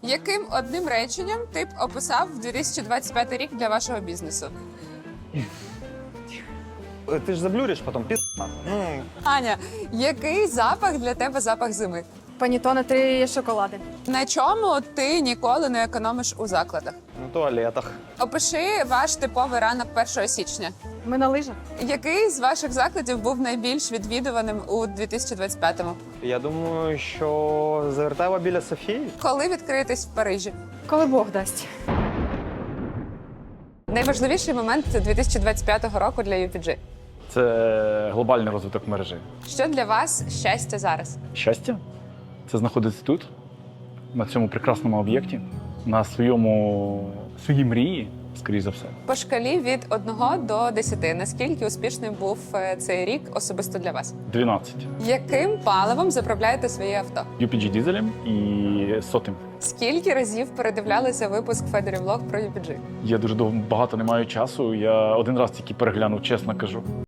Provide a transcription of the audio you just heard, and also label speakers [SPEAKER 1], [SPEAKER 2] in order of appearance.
[SPEAKER 1] Яким одним реченням ти б описав 2025 рік для вашого бізнесу?
[SPEAKER 2] Ти ж заблюриш потім,
[SPEAKER 1] Аня, який запах для тебе запах зими?
[SPEAKER 3] Панітоне 3 шоколади.
[SPEAKER 1] На чому ти ніколи не економиш у закладах?
[SPEAKER 2] на туалетах.
[SPEAKER 1] Опиши ваш типовий ранок 1 січня.
[SPEAKER 3] Ми на лижах.
[SPEAKER 1] Який з ваших закладів був найбільш відвідуваним у 2025-му?
[SPEAKER 2] Я думаю, що завертава біля Софії.
[SPEAKER 1] Коли відкриєтесь в Парижі?
[SPEAKER 3] Коли Бог дасть.
[SPEAKER 1] Найважливіший момент 2025 року для UPG.
[SPEAKER 4] Це глобальний розвиток мережі.
[SPEAKER 1] Що для вас щастя зараз?
[SPEAKER 4] Щастя це знаходитися тут, на цьому прекрасному об'єкті, на своїй мрії, скоріш за все.
[SPEAKER 1] По шкалі від 1 до 10, наскільки успішним був цей рік особисто для вас?
[SPEAKER 4] 12.
[SPEAKER 1] Яким паливом заправляєте своє авто?
[SPEAKER 4] UPG дизелем і сотим.
[SPEAKER 1] Скільки разів передивлялися випуск Федорів Влог про UPG?
[SPEAKER 4] Я дуже багато не маю часу. Я один раз тільки переглянув, чесно кажу.